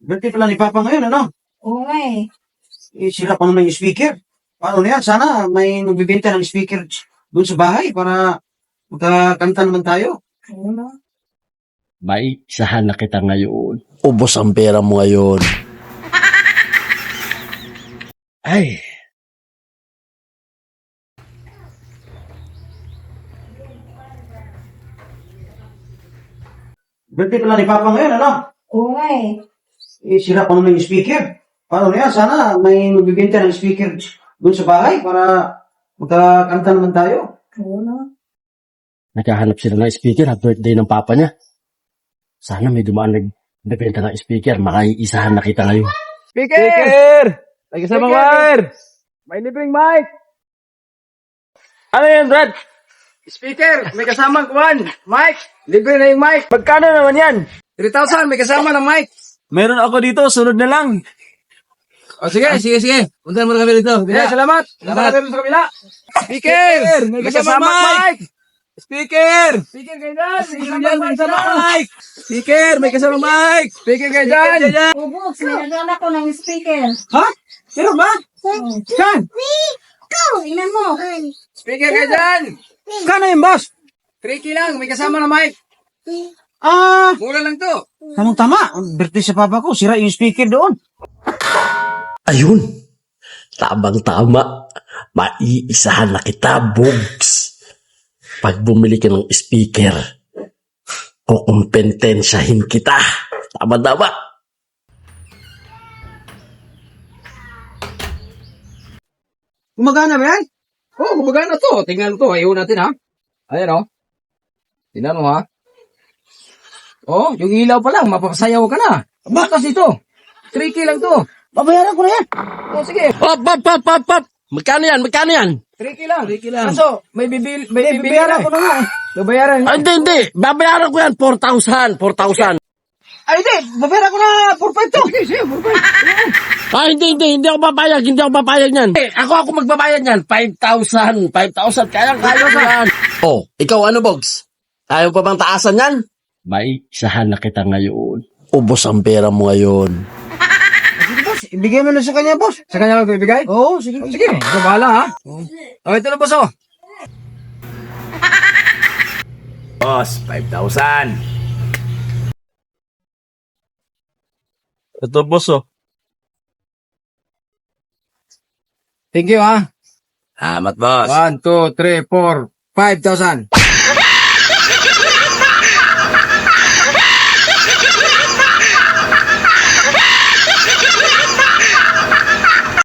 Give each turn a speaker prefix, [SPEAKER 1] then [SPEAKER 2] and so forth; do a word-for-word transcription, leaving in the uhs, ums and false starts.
[SPEAKER 1] Birthday pala ni Papa ngayon, ano?
[SPEAKER 2] Oo nga eh.
[SPEAKER 1] Eh, sira pa naman yung speaker. Paano na yan? Sana may magbibenta ng speaker doon sa bahay para magkakanta naman tayo.
[SPEAKER 2] Ano na?
[SPEAKER 3] May isahan na kita ngayon. Ubos ang pera mo ngayon. Ay,
[SPEAKER 1] Birthday pala ni Papa ngayon, ano?
[SPEAKER 2] Oo nga eh.
[SPEAKER 1] Eh, sira pa naman yung speaker. Paano na yan? Sana may magbibenta ng speaker doon sa bahay para magkakanta naman tayo.
[SPEAKER 2] Ano na?
[SPEAKER 3] naghahanap sila ng speaker at birthday ng papa niya. Sana may dumaan nagbebenta ng speaker. Makaiisahan na kita ngayon.
[SPEAKER 4] Speaker! May kasamang wire! May libreng mic! Ano yan, Brad? Speaker! May kasamang kuwan! Mic! Libre na yung mic! Magkano naman yan? three thousand, may kasama ng mic! Meron ako dito, sunod na lang. O sige, sige, sige. Punta mo na kami dito. Yeah, salamat. Salamat kami sa kabila. Speaker! May kasama mic! Speaker! Speaker kayo dyan! Speaker dyan, may kasama mic! Speaker! May kasama mic! Speaker kayo dyan!
[SPEAKER 2] Oh, Box, may nagana ko ng speaker.
[SPEAKER 4] Ha? Meron ba?
[SPEAKER 2] Hmm.
[SPEAKER 4] Saan?
[SPEAKER 2] Ikaw, ina mo.
[SPEAKER 4] Speaker kayo dyan! Kano yung boss? three K lang, may kasama na mic.
[SPEAKER 1] Ah,
[SPEAKER 4] Mura lang to.
[SPEAKER 1] tamang-tama. Birthday sa Papa ko, sira yung speaker doon.
[SPEAKER 3] Ayun! Tamang-tama. Maiisahan na kita, Bogs. Pag bumili ka ng speaker, kukumpentensyahin kita. Tama-tama.
[SPEAKER 4] Gumagana ba yan? Oo, oh, gumagana to. Tingnan mo to. Ayaw natin ha. Ayan o. Oh. Tingnan mo ha. Oh, yung ilaw pa lang. Mapapasayaw ka na. Bakas ito. three K lang to.
[SPEAKER 1] Babayaran ko na yan.
[SPEAKER 4] Oh, sige.
[SPEAKER 3] Pop, pop, pop, pop, pop. Magkano yan? Magkano yan?
[SPEAKER 4] three K lang. three K lang. Kaso, may bibil, may
[SPEAKER 1] Hindi,
[SPEAKER 4] bibili
[SPEAKER 1] babayaran
[SPEAKER 4] na
[SPEAKER 1] ko na nga eh.
[SPEAKER 4] Babayaran.
[SPEAKER 3] Ah, hindi, hindi. Babayaran ko yan. four thousand. four thousand.
[SPEAKER 1] Ay, hindi. Babayaran ko na four five to.
[SPEAKER 4] Sige, sige. Bye.
[SPEAKER 3] Ah, hindi, hindi. Hindi ako papayag. Hindi ako papayag yan. Eh, ako ako magbabayad yan. five thousand. five thousand. Kaya, kaya ko yan. Oh, ikaw ano, Bogs? Ayaw pa bang taasan yan? May isahan na kita ngayon. Ubos ang pera mo ngayon.
[SPEAKER 1] Sige, boss. Ibigay mo na sa kanya, boss.
[SPEAKER 4] Sa kanya lang bibigay?
[SPEAKER 1] Oo, sige.
[SPEAKER 4] Oh, sige. Ito bahala ha. Oh, ito na boss oh. Boss, five thousand.
[SPEAKER 5] Ito, boss, oh.
[SPEAKER 4] Thank you ha.
[SPEAKER 3] Salamat, boss.
[SPEAKER 4] one, two, three, four, five thousand.